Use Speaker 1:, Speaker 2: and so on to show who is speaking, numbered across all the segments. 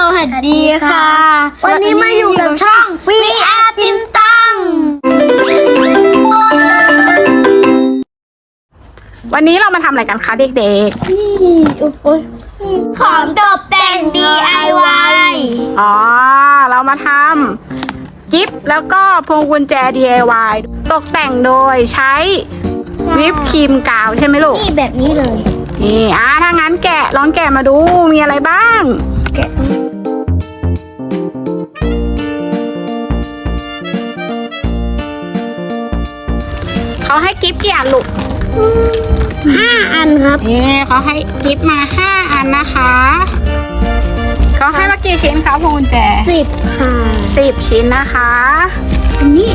Speaker 1: วัสดีค่ะ วันนี้มาอยู่กับช่อง VR ติมตัง
Speaker 2: วันนี้เรามาทำอะไรกันคะเด็ก
Speaker 1: ๆของตกแต่ง DIY
Speaker 2: อ๋อ เรามาทำกิฟต์แล้วก็พวงกุญแจ DIY ตกแต่งโดยใช้วิปครีมกาวใช่ไหมลูก
Speaker 1: นี่แบบนี้เลย
Speaker 2: นี่ถ้างั้นลองแกะมาดูมีอะไรบ้างแกะเขาให้กิฟต์กี่อันลูก
Speaker 1: 5 อันครับ
Speaker 2: นี่เขาให้กิฟต์มา5 อันนะคะเขาให้มากี่ชิ้นคะพวงกุญแจ
Speaker 1: 10 ค่ะ
Speaker 2: 10 ชิ้นนะคะ
Speaker 1: อันนี้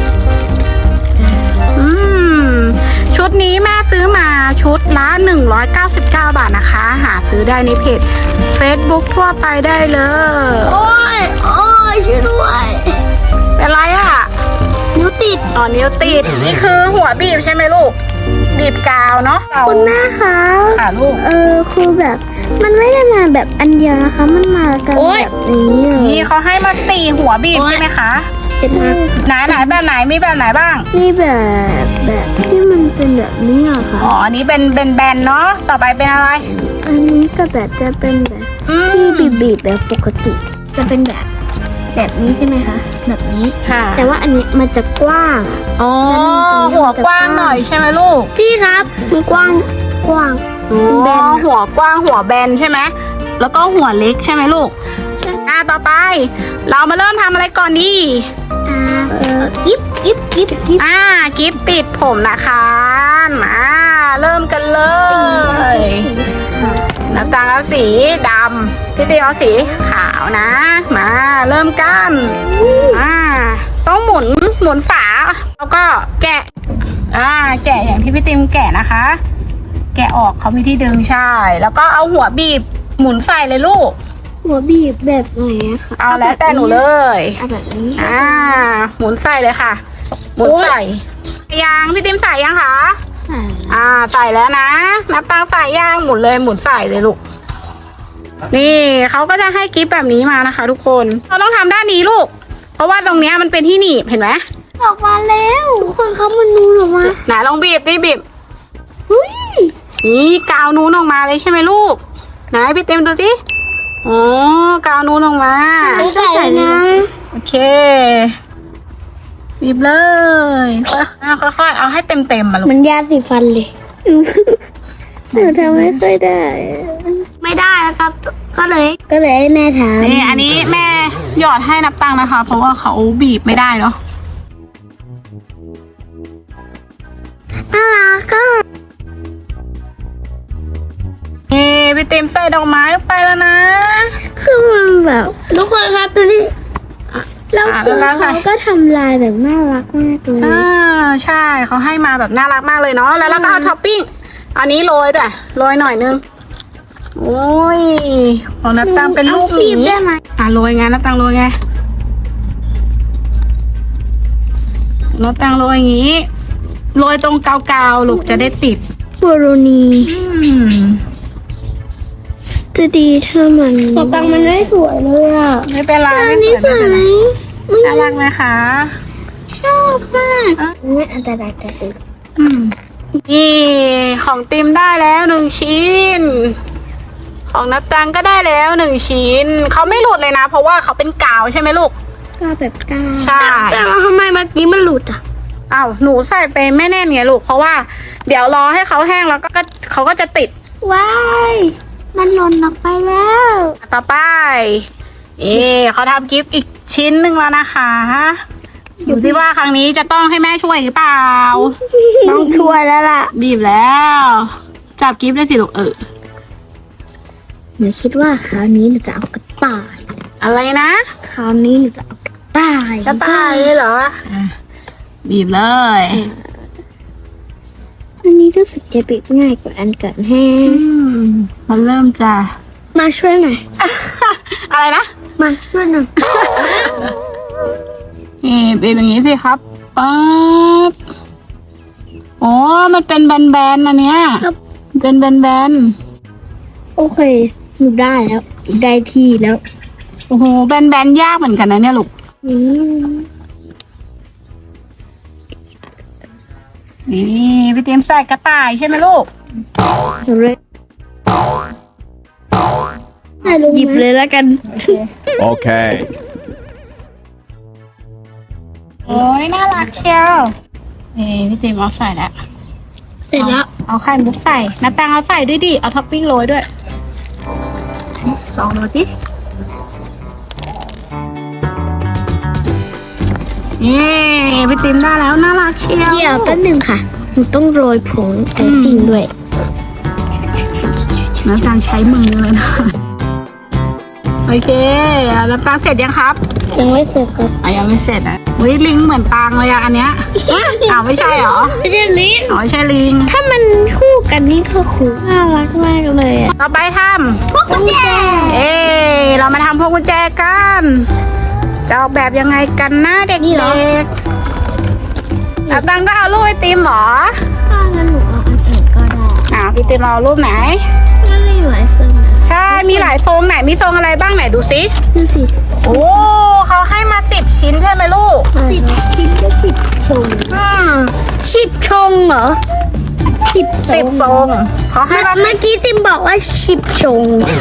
Speaker 2: ชุดนี้แม่ซื้อมาชุดละ199 บาทนะคะหาซื้อได้ในเพจ Facebook ทั่วไปได้เลย
Speaker 1: โอ้ยช่วยด้วย
Speaker 2: เป็นไรอ่ะ
Speaker 1: นิ้วติด
Speaker 2: นิ้วติดนี่คือหัวบีบใช่ไหมลูกบีบกาวเนาะ
Speaker 1: คุณแม่คะ
Speaker 2: ค่ะลูก
Speaker 1: คือแบบมันไม่ได้มาแบบอันเดียวนะคะมันมากันแบบนี้
Speaker 2: นี่เขาให้มา4 หัวบีบใช่ไหมคะไหนแบบไหนมีแบบไหนบ้าง
Speaker 1: นี่แบบที่มันเป็นแบบนี้อะค่ะ
Speaker 2: อันนี้เป็นแบนเนาะต่อไปเป็นอะไร
Speaker 1: อันนี้ก็แบบจะเป็นแบบที่บีบแบบปกติจะเป็นแบบนี้ใช่ไหมคะแบบนี้
Speaker 2: ค่ะ
Speaker 1: แต่ว่าอันนี้มันจะกว้าง
Speaker 2: หัวกว้างหน่อยใช่ไหมลูก
Speaker 1: พี่ครับมันกว้าง
Speaker 2: แบนหัวกว้างหัวแบนใช่ไหมแล้วก็หัวเล็กใช่ไหมลูกต่อไปเรามาเริ่มทำอะไรก่อนดี
Speaker 1: กิ๊บกิฟ
Speaker 2: ติดผมนะคะเริ่มกันเลยน้ำตาลเอาสีดำพี่ตีเอาสีขาวนะมาเริ่มกันต้องหมุนฝาแล้วก็แกะแกะอย่างที่พี่ติมแกะนะคะแกะออกเขามีที่ดึงใช่แล้วก็เอาหัวบีบหมุนใส่เลยลูก
Speaker 1: หัวบีบแบบไหนคะ
Speaker 2: เอาแล้วแต่หนูเลย
Speaker 1: แบบนี้
Speaker 2: หมุนใส่เลยค่ะหมุนใส่ยังพี่ติมใส่ยังคะใส่แล้วนะนับตังใส่ย่างหมุนใส่เลยลูกนี่เขาก็จะให้กิฟต์แบบนี้มานะคะทุกคนเราต้องทำด้านนี้ลูกเพราะว่าตรงเนี้ยมันเป็นที่หนีบเห็นไหม
Speaker 1: ออกมาแล้วทุกคนเขามันนูนออกมา
Speaker 2: ไหนลองบีบนี่กาวนูนออกมาเลยใช่ไหมลูกไหนพี่เต็มดูสิกาวนูนออกมา
Speaker 1: ใส่นะ
Speaker 2: โอเคบีบเลยค่อยเอาให้เต็มมาลูก
Speaker 1: มันยาสีฟันเลยหนูทำไม่ค่อยได้ไม่ได้นะครับก็เลยให้แม่ทำ
Speaker 2: นี่อันนี้แม่หยอดให้นับตังนะคะเพราะว่าเขาบีบไม่ได้เนาะ
Speaker 1: น่ารักก็
Speaker 2: พี่เต็มใส่ดอกไม้ลงไปแล้วนะ
Speaker 1: คือมันแบบทุกคนครับดูนี่แล้วคือเขาก็ทำลายแบบน่ารักมากเลย
Speaker 2: ใช่เขาให้มาแบบน่ารักมากเลยเนาะแล้วก็เอาท็อปปิ้งอันนี้โรยด้วยโรยหน่อยนึงโอ้ยของนับตังเป็นลูกหมีโรยไงนับตังโรยไงนับตังโรยอย่างนี้โรยตรงกาวๆลูกจะได้ติด
Speaker 1: โบโรนีจะดีถ้ามันตังมันไม่สวยเลยอ่ะ
Speaker 2: ไม่เป็นไร
Speaker 1: นี่สวยไหม
Speaker 2: น่ารักไหมคะ
Speaker 1: ชอบมากไม่อันตรายแต่ติด
Speaker 2: นี่ของติมได้แล้ว1 ชิ้นของนับตังก็ได้แล้ว1 ชิ้นเขาไม่หลุดเลยนะเพราะว่าเขาเป็นกาวใช่ไหมลูก
Speaker 1: กาวแบบกาว
Speaker 2: ใช่
Speaker 1: แต่ทำไมเมื่อกี้มันหลุดอ่ะ
Speaker 2: หนูใส่ไปไม่แน่นไงลูกเพราะว่าเดี๋ยวรอให้เขาแห้งแล้วก็เขาก็จะติด
Speaker 1: ว้ายมันหล่นออกไปแล้ว
Speaker 2: ต่อไปเขาทำกิฟต์อีกชิ้นหนึ่งแล้วนะคะดูสิว่าครั้งนี้จะต้องให้แม่ช่วยหรือเปล่า
Speaker 1: ต้องช่วยแล้วล่ะ
Speaker 2: บีบแล้วจับกิฟต์ได้สิลูก
Speaker 1: หนูคิดว่าคราวนี้หนูจะเอากระต่าย
Speaker 2: อะไรนะ
Speaker 1: คราวนี้หนูจะเอากระต่าย
Speaker 2: เหรอบีบเลย
Speaker 1: อันนี้รู้สึกจะบีบง่ายกว่าอันก่อนแห้ง
Speaker 2: มันเริ่มจะ
Speaker 1: มาช่วยหน่อย
Speaker 2: อะไรนะ
Speaker 1: มาช่วยหน่อย
Speaker 2: เป็นอย่างนี้สิครับปั๊บมันเป็นแบนๆอันเนี้ยเป็นแบน
Speaker 1: โอเคหนูได้แล้วได้ที่แล้ว
Speaker 2: โอ้โหแบนๆยากเหมือนกันนะเนี่ยลูก
Speaker 1: อืม
Speaker 2: นี่พี่เตรียมใส่กระต่ายใช่ไหมลูก
Speaker 1: เลยหยิบเลยแล้วกัน
Speaker 3: Okay.
Speaker 2: โอ้ยน่ารักเชียวพี่เตรียมเอาใส่แล้ว
Speaker 1: เสร็จแล้ว
Speaker 2: เอาไข่มุกใส่น้ำตาลเอาใส่ด้วยดิเอาท็อปปิ้งโรยด้วยลองดูสิพี่ติมได้แล้วน่ารักเชียว
Speaker 1: เดี๋ยวแป๊บนึงค่ะหนูต้องโรยผงไอซิ่งด้วย
Speaker 2: น้ำตาลใช้มือเลยนะโอเคน้ำตาลเสร็จยังครับ
Speaker 1: ยังไม่เสร็จครับ
Speaker 2: ยังไม่เสร็จอ่ะอุ้ยลิงเหมือนตังเลยอะอันเนี้ยอ้าวไม่ใช่เหรอ
Speaker 1: ไม่ใช่ลิ้น
Speaker 2: อ๋อไม่ใช่ลิง
Speaker 1: ถ้ามันคู่กันนี่ก็คู่น่ารักมากเลยอ่ะ
Speaker 2: ต่อไปท
Speaker 1: พวกกุญแจ
Speaker 2: ำเรามาทำพวงกุญแจกันจะออกแบบยังไงกันนะเด็กๆน้ำตาลก็เอารูปไอติมเหรอ
Speaker 1: ถ้างั้นหนูเอาอันอื่นก็ได้
Speaker 2: พี่ติมเอารูปไหน
Speaker 1: มันไม่หลายทรงนะ
Speaker 2: ใช่ มีหลายทรงไหน มีทรงอะไรบ้างไหนดูสิ
Speaker 1: ดูสิ
Speaker 2: โอ้ เขาให้มา10 ชิ้นใช่ไหมลูก
Speaker 1: 10 ชิ้นก็10 ชง 10 ชงเหรอ
Speaker 2: 10 ทรง เขาให้มา
Speaker 1: เมื่อกี้ติมบอกว่า10 ชง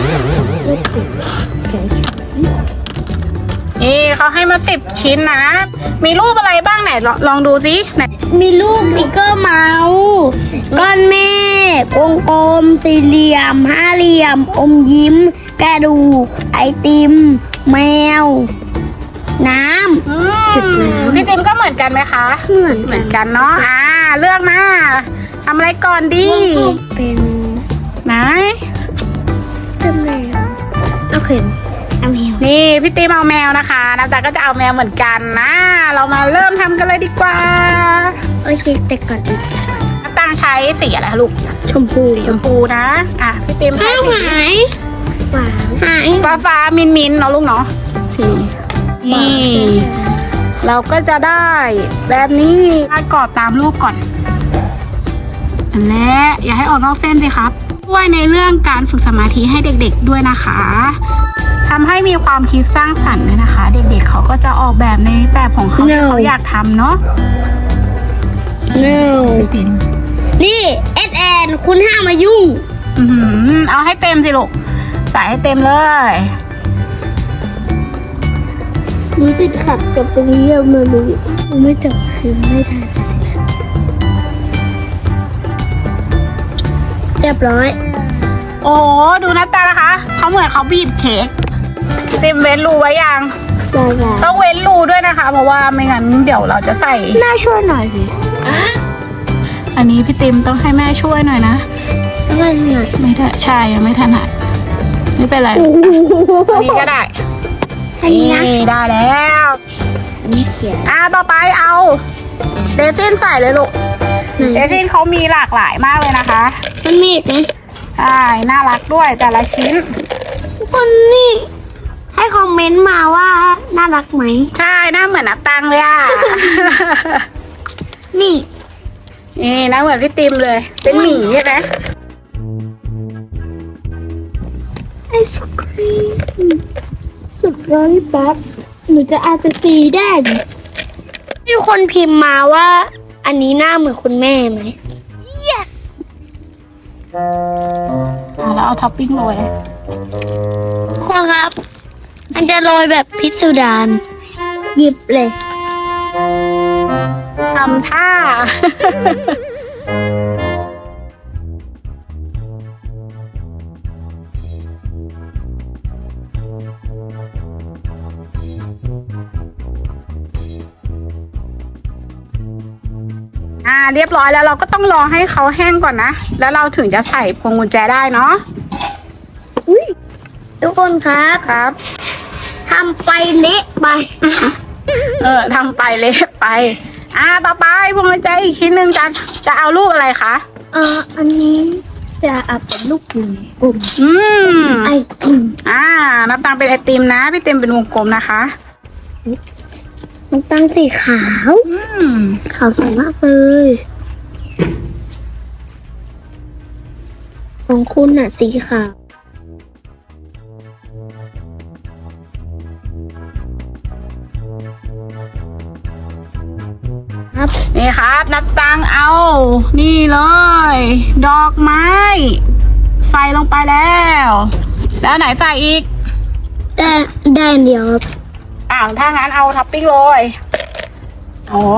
Speaker 2: เขาให้มา10 ชิ้นนะ มีรูปอะไรบ้างไหนลองดูสิไหน
Speaker 1: มีรูปบิ๊กเกอร์เมาส์ก้อนเมฆวงกลม สี่เหลี่ยม ห้าเหลี่ยม อมยิ้ม กระดูก ไอติม แมว น้ำ จุดน้ำ
Speaker 2: พี่ติมก็เหมือนกันไหมคะ เหมือนกันเนาะ เลือกมาทำอะไรก่อนดี
Speaker 1: เป็น
Speaker 2: ไหน
Speaker 1: แมวโอเคเอาแมว
Speaker 2: นี่พี่ติมเอาแมวนะคะน้ำตาลก็จะเอาแมวเหมือนกันนะ เรามาเริ่มทำกันเลยดีกว่า
Speaker 1: โอเคแต่ก่อนอื่น
Speaker 2: น้ำตาลใช้สีอะไรคะลูก
Speaker 1: ชมพู
Speaker 2: สีชมพูนะ พี่ติมใช้สี
Speaker 1: ฝาหาย
Speaker 2: ฟ้ามินเนาะลูกเนาะสีนี่ เราก็จะได้แบบนี้กรอบตามรูปก่อนอันแรกอย่าให้ออกนอกเส้นสิครับช่วยในเรื่องการฝึกสมาธิให้เด็กๆด้วยนะคะทำให้มีความคิดสร้างสรรค์ด้วยนะคะ เด็กๆเขาก็จะออกแบบในแบบของเขาที่เขาอยากทำเนาะ
Speaker 1: no
Speaker 2: ติม
Speaker 1: นี่เอสแอนคุณห้ามมายุ่ง
Speaker 2: เอาให้เต็มสิลูกใส่ให้เต็มเลย
Speaker 1: หนูติดขัดกับตรงนี้มาเลยไม่จับคืนไม่ได้สิเรียบร้อย
Speaker 2: โอ้โหดูหน้าตานะคะเขาเหมือนเขาบีบเค้กเต็มเว้นรูไว้ยัง
Speaker 1: ได้
Speaker 2: ต้องเว้นรูด้วยนะคะ เพราะว่าไม่งั้นเดี๋ยวเราจะใส่
Speaker 1: น่าช่วยหน่อยสิ
Speaker 2: อันนี้พี่ติมต้องให้แม่ช่วยหน่อยนะ
Speaker 1: แล้วก็หน่อย
Speaker 2: ไม่ได้ใช่ยังไม่ถนัดไม่เป็นไร
Speaker 1: โอ้โห
Speaker 2: อันนี้ก็ได้
Speaker 1: อันนี้นะ
Speaker 2: นี่ได้แล้ว
Speaker 1: อันนี้เขียน
Speaker 2: ต่อไปเอาเรซินใส่เลยลูกเรซินเขามีหลากหลายมากเลยนะคะ
Speaker 1: มันมีอีกไหม
Speaker 2: ใช่น่ารักด้วยแต่ละชิ้น
Speaker 1: ทุกคนนี่ ให้คอมเมนต์มาว่าน่ารักไหม
Speaker 2: ใช่หน้าเหมือนนับตังเลยอ่ะ
Speaker 1: นี่
Speaker 2: นี่หน้าเหมือนพี่ติมเลย เป็นหมีใช่ไหม
Speaker 1: ไอศครีมสุดร้อนแป๊บหนูจะอาจจะสีได้มีคนพิมพ์มาว่า อันนี้หน้าเหมือนคุณแม่ไหม yes
Speaker 2: แล้วเอาท็อปปิ้งโรย
Speaker 1: คุณครับ มันจะโรยแบบพิสดารหยิบเลย
Speaker 2: ทำท่า เรียบร้อยแล้วเราก็ต้องรอให้เขาแห้งก่อนนะ แล้วเราถึงจะใส่พวงกุญแจได้เนาะ
Speaker 1: ทุกคนครับ
Speaker 2: ครับ
Speaker 1: ทำไปเละไป
Speaker 2: ทำไปเละไป ต่อไปพวงกุญแจอีกชิ้นหนึ่งจะเอารูปอะไรคะ
Speaker 1: อันนี้จะเอาเป็นลูกกลม ไอติม
Speaker 2: น้ำตาลเป็นไอติมนะ พี่เต็มเป็นวงกลมนะคะ
Speaker 1: มันตั้งสีขาว ขาวสวยมากเลยของคุณน่ะสีขาว
Speaker 2: นี่ครับนับตังค์เอา นี่เลย ดอกไม้ ใส่ลงไปแล้ว แล้วไหนใส่อีก
Speaker 1: ได้อันเดียวครับ
Speaker 2: ถ้างั้นเอาท็อปปิ้งโรยอ๋อ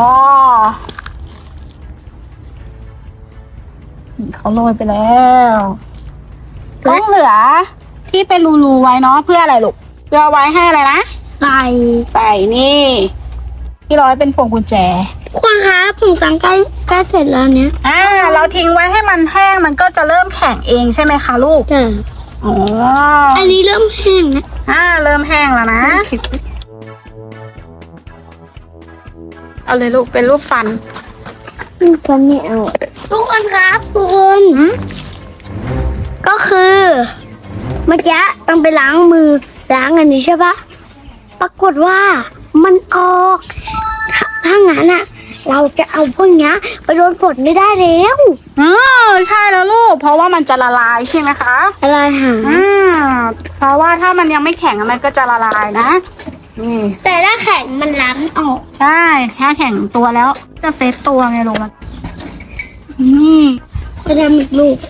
Speaker 2: เขาโรยไปแล้วต้องเหลือที่เป็นรูๆไว้เนาะเพื่ออะไรลูกเพื่อไว้ให้อะไรนะ
Speaker 1: ใส่
Speaker 2: ใส่นี่ ที่ร้อยเป็นพวงกุญแจ
Speaker 1: คนครับผมสั่งใกล้เสร็จแล้วเนี้ย
Speaker 2: เราทิ้งไว้ให้มันแห้งมันก็จะเริ่มแข็งเองใช่ไหมคะลูก
Speaker 1: จ้ะ
Speaker 2: อ๋อ
Speaker 1: อันนี้เริ่มแห้งนะ
Speaker 2: เริ่มแห้งแล้วนะ เอาเลยลูกเป็นรูปฟัน
Speaker 1: ฟันไม่เอาทุกคนครับทุกคน ก็คือ เมื่อกี้ต้องไปล้างมือล้างอันนี้ใช่ปะปรากฏว่ามันออกถ้างั้นอ่ะ เราจะเอาพวกนี้ไปโดนฝนไม่ได้แล้ว
Speaker 2: ใช่แล้วลูก เพราะว่ามันจะละลายใช่ไหมคะ
Speaker 1: อะไรหา
Speaker 2: เพราะว่าถ้ามันยังไม่แข็งมันก็จะละลายนะนี่
Speaker 1: แต่ถ้าแข็งมันล้างออก
Speaker 2: ใช่ถ้าแข็งตัวแล้วจะเซตตัวไงลูกมันนี่
Speaker 1: จะทำอีกลูก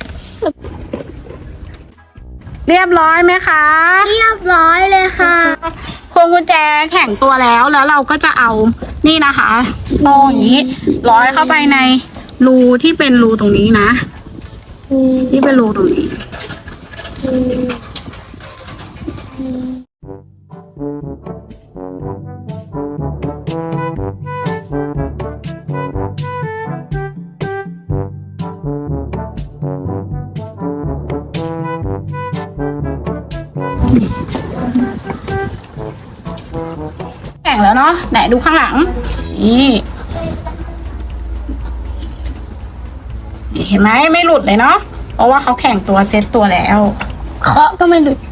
Speaker 2: เรียบร้อยไหมคะ
Speaker 1: เรียบร้อยเลยค่ะ
Speaker 2: พวงกุญแจแข็งตัวแล้วเราก็จะเอานี่นะคะโซ่อย่างนี้ ร้อยเข้าไปในรูที่เป็นรูตรงนี้นะ ที่เป็นรูตรงนี้ แข็งแล้วเนาะไหนดูข้างหลัง นี่เห็นไหมไม่หลุดเลยเนาะเพราะว่าเขาแข็งตัวเซ็ตตัวแล้ว
Speaker 1: เคาะก็ไม่หลุด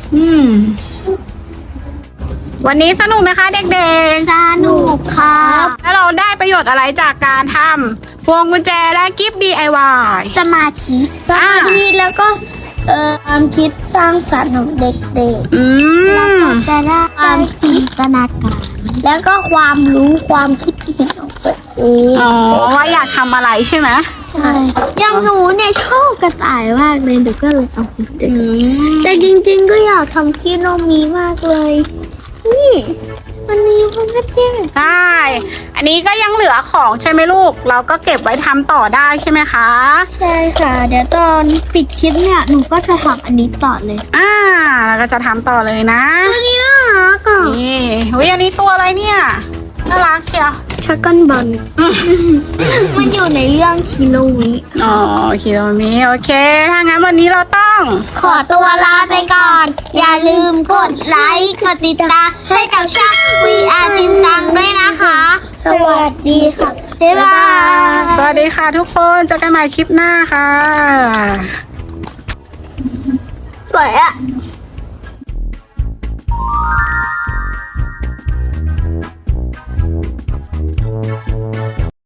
Speaker 2: วันนี้สนุกไหมคะเด็ก
Speaker 1: สนุกครับ
Speaker 2: ๆ แล้วเราได้ประโยชน์อะไรจากการทำพวงกุญแจและกิฟต์ DIY
Speaker 1: สมาธิแล้วก็ความคิดสร้างสรรค์ของเด็ก
Speaker 2: อืม
Speaker 1: ๆจะได้ความจินตนาการแล้วก็ความรู้ความคิดเห็นของตัวเอง
Speaker 2: อ๋อว่าอยากทำอะไรใช่ไหม
Speaker 1: ใช่อย่างหนูเนี่ยชอบกระต่ายมากเลยเดี๋ยวก็เลยเอาไปเจอแต่จริงๆก็อยากทำพี่โนมีมากเลยนี่มันมีมันก็จริง
Speaker 2: ใช่ อันนี้ก็ยังเหลือของใช่ไหมลูก เราก็เก็บไว้ทำต่อได้ใช่ไหมคะ
Speaker 1: ใช่ค่ะ เดี๋ยวตอนปิดคลิปเนี่ยหนูก็จะทำอันนี้ต่อเลย
Speaker 2: เราก็จะทำต่อเลยนะ
Speaker 1: ตัวนี้น่ารักอ่ะ
Speaker 2: นี่อันนี้ตัวอะไรเนี่ย น่ารักเชียว
Speaker 1: ชักกันบอลมันอยู่ในเรื่องคิโลวิ
Speaker 2: อ๋อคิโลมิโอเค ถ้างั้นวันนี้เราต้อง
Speaker 1: ขอตัวลาไปก่อน อย่าลืมกดไลค์กดติดตามให้กับช่อง VR ตินตังด้วยนะคะ สวัสดีค่ะ บ๊ายบาย
Speaker 2: สวัสดีค่ะทุกคนเจอกันใหม่คลิปหน้าค่ะ
Speaker 1: สวยอ่ะ